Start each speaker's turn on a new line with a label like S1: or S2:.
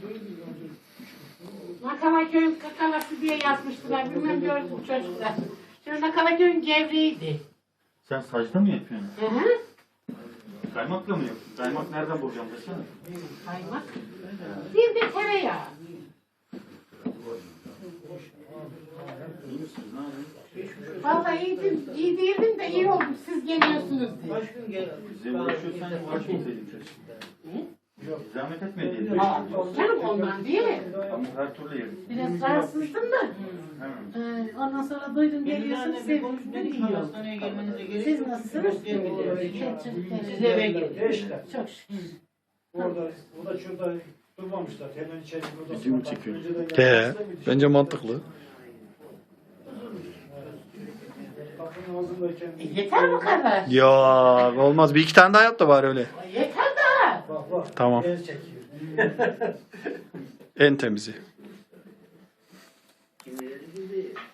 S1: Nakalaköy'ün kakalası diye yazmıştılar. Bilmem gördüm çocuklar. Şimdi Nakalaköy'ün gevreğiydi.
S2: Sen saçta mı yapıyorsun?
S1: Hı hı.
S2: Kaymakla mı yapıyorsun? Kaymak nereden bulacağım desene.
S1: Kaymak. Bir de tereyağı.
S2: İyi misiniz? Ne yapıyorsun?
S1: Vallahi iyi değildim de iyi oldum. Siz geliyorsunuz diye.
S3: Kaç gün gel?
S2: Bize uğraşıyorsan uğraşmasaydın keşke. Zahmet etme diyelim.
S1: Aa, canım ondan değil mi?
S2: Ama her türlü yerim.
S1: Biraz rahatsızdım da.
S2: Hemen.
S1: Ondan sonra duydum geliyorsunuz.
S3: Geliyorsunuz
S1: Sevindim iyi oldu.
S3: hastaneye gelmenize gerek
S1: Siz
S3: yok.
S1: nasılsınız?
S3: Siz eve gidin.
S4: İşte.
S1: Çok şükür.
S4: Orada, o da şurada durmamışlar. Hemen içeri odasına.
S2: Video mu çekiyor?
S5: Bence mantıklı.
S4: Kapının ağzındayken.
S1: Yeter bu kadar.
S5: Ya olmaz. Bir iki tane daha yap da var öyle.
S1: Yeter daha.
S4: Bak bak.
S5: Tamam.
S4: El çekiyor.
S5: En temizi.
S3: Kim bilir bizi.